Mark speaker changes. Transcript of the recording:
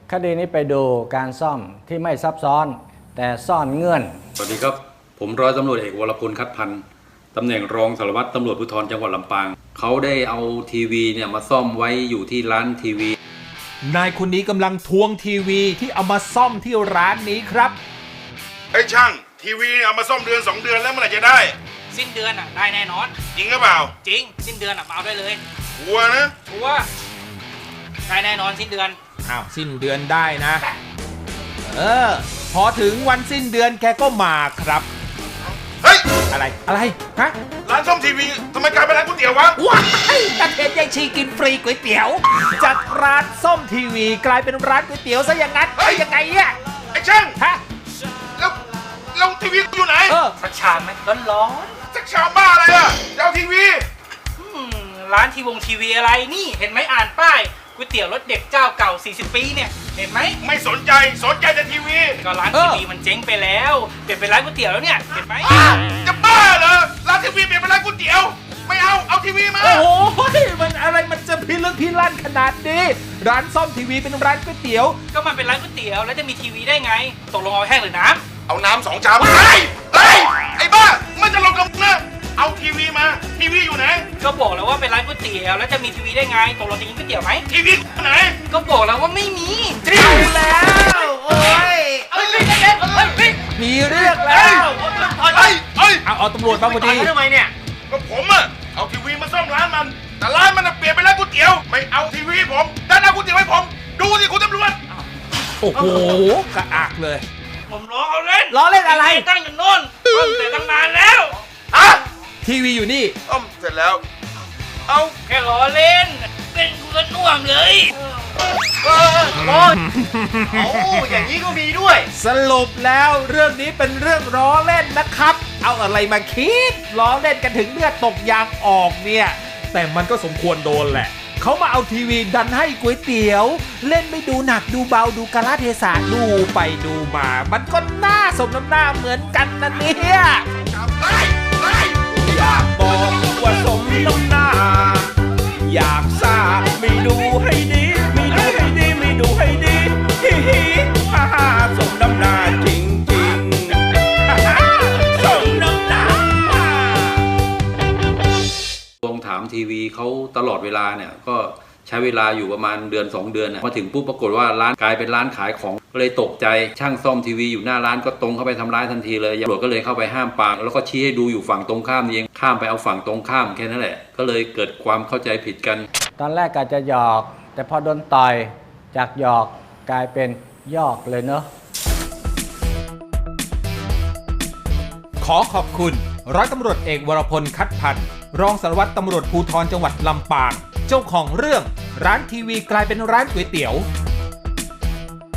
Speaker 1: คดีนี้ไปดูการซ่อมที่ไม่ซับซ้อนแต่ซ่อนเงื่อน
Speaker 2: สวัสดีครับผมร้อยตำรวจเอกวรพลคัดพันธ์ตำแหน่งรองสารวัตรตำรวจภูธรจังหวัดลำปางเขาได้เอาทีวีเนี่ยมาซ่อมไว้อยู่ที่ร้านทีวี
Speaker 3: นายคนนี้กำลังทวงทีวีที่เอามาซ่อมที่ร้านนี้ครับ
Speaker 4: ไอ้ช่างทีวีเอามาซ่อมเดือน2 เดือนแล้วเมื่อไหร่จะได้
Speaker 5: สิ้นเดือนได้แน่นอน
Speaker 4: จริงหรือเปล่า
Speaker 5: จริงสิ้นเดือนมาเอาได้เลย
Speaker 4: ชัวร์นะ
Speaker 5: ชัวร์ได้แน่นอนสิ้นเดือน
Speaker 3: อ้าวสิ้นเดือนได้นะพอถึงวันสิ้นเดือนแกก็มาครับ
Speaker 4: เฮ้ย
Speaker 3: อะไรฮะ
Speaker 4: ร้านซ่อมทีวีทำไมกลายเป็นร้านก๋วยเตี๋ยววะ
Speaker 3: ว้ายตะเทนยายชีกินฟรีก๋วยเตี๋ยวจากร้านซ่อมทีวีกลายเป็นร้านก๋วยเตี๋ยวซะอย่างนั้นยังไงเนี่ย
Speaker 4: ไอ้ช่าง
Speaker 3: ฮะ
Speaker 4: แล้วทีวีอยู่ไหน
Speaker 5: สักชามไหมร้อน
Speaker 4: สักชามบ้าอะไรอ่ะจะเอาทีวี
Speaker 5: ร้านทีวีอะไรนี่เห็นไหมอ่านป้ายก๋วยเตี๋ยวรสเด็ดเจ้าเก่า40 ปีเนี่ยเห็นไหม
Speaker 4: ไม่สนใจแต่ทีวี
Speaker 5: ก็ร้านทีวีมันเจ๊งไปแล้วเปลี่ยนเป็นร้านก๋วยเตี๋ยวแล้วเนี่ยเห็นไหม
Speaker 4: จะบ้าเหรอร้านทีวีเปลี่ยนเป็นร้านก๋วยเตี๋ยวไม่เอาทีวีมา
Speaker 3: โอ้โหมันอะไรมันจะพิลึกพิลั่นขนาดนี้ร้านซ่อมทีวีเป็นร้านก๋วยเตี๋ยว
Speaker 5: ก็มันเป็นร้านก๋วยเตี๋ยวแล้วจะมีทีวีได้ไงตกลงเอาแห้งหรือน้ำ
Speaker 4: เอาน้ำ2 ชามไอ้บ้ามันจะลงกับนะเอาทีวีมาทีวีอยู่ไหน
Speaker 5: ก็บอกแล้วว่าเป็นร้านก๋วยเตี๋ยวแล้วจะมีทีวีได้ไงตกลงจะกินก๋วยเตี๋ยวไหม
Speaker 4: ทีวีไหน
Speaker 5: ก็บอกแล้วว่าไม่มี
Speaker 3: เอาแล้วโอ้ยมีเรื่องแล้วเอาตำรวจมาพอดี
Speaker 5: ทำไมเนี่ย
Speaker 4: ก็ผมอะเอาทีวีมาซ่อมร้านมันแต่ร้านมันเปลี่ยนเป็นร้านก๋วยเตี๋ยวไม่เอาทีวีผมด้านหน้าก๋วยเตี๋ยวให้ผมดูสิคุณตำรวจ
Speaker 3: โอ้โหกระอักเลย
Speaker 5: ผมล้อเล่น
Speaker 3: อะไร
Speaker 5: ตั้งอยู่โน่นแต่ตั้งนานแล้ว
Speaker 3: ทีวีอยู่นี่
Speaker 4: เสร็จแล้ว
Speaker 5: เอาแค่ล้อเล่นเป็นกูก็น่วมเลยอย่างนี้ก็มีด้วย
Speaker 3: สรุปแล้วเรื่องนี้เป็นเรื่องล้อเล่นนะครับเอาอะไรมาคิดล้อเล่นกันถึงเลือดตกยางออกเนี่ยแต่มันก็สมควรโดนแหละเขามาเอาทีวีดันให้ก๋วยเตี๋ยวเล่นไม่ดูหนักดูเบาดูกาลเทศะดูไปดูมามันก็น่าสมน้ำหน้าเหมือนกันนะเนี่ยอยากบอกว่าสมน้ำหน้าอยากทราบไม่ดูให้ดีไม่ดูให้ดีไม่ดูให้ดีฮิฮิฮ่าฮ่าสมน้ำหน้าจริงจริงสมน้ำหน้า
Speaker 2: ทวงถามทีวีเขาตลอดเวลาเนี่ยก็ใช้เวลาอยู่ประมาณเดือน2 เดือนมาถึงปุ๊บปรากฏว่าร้านกลายเป็นร้านขายของก็เลยตกใจช่างซ่อมทีวีอยู่หน้าร้านก็ตรงเข้าไปทำร้ายทันทีเลยตำรวจก็เลยเข้าไปห้ามปรามแล้วก็ชี้ให้ดูอยู่ฝั่งตรงข้ามเองข้ามไปเอาฝั่งตรงข้ามแค่นั้นแหละก็เลยเกิดความเข้าใจผิดกัน
Speaker 1: ตอนแรกก็จะหยอกแต่พอโดนต่อยจากหยอกกลายเป็นยอกเลยเนอะ
Speaker 3: ขอขอบคุณร้อยตำรวจเอกวรพลคัดพันธ์รองสารวัตรตำรวจภูธรจังหวัดลำปางเจ้าของเรื่องร้านทีวีกลายเป็นร้านก๋วยเตี๋ยว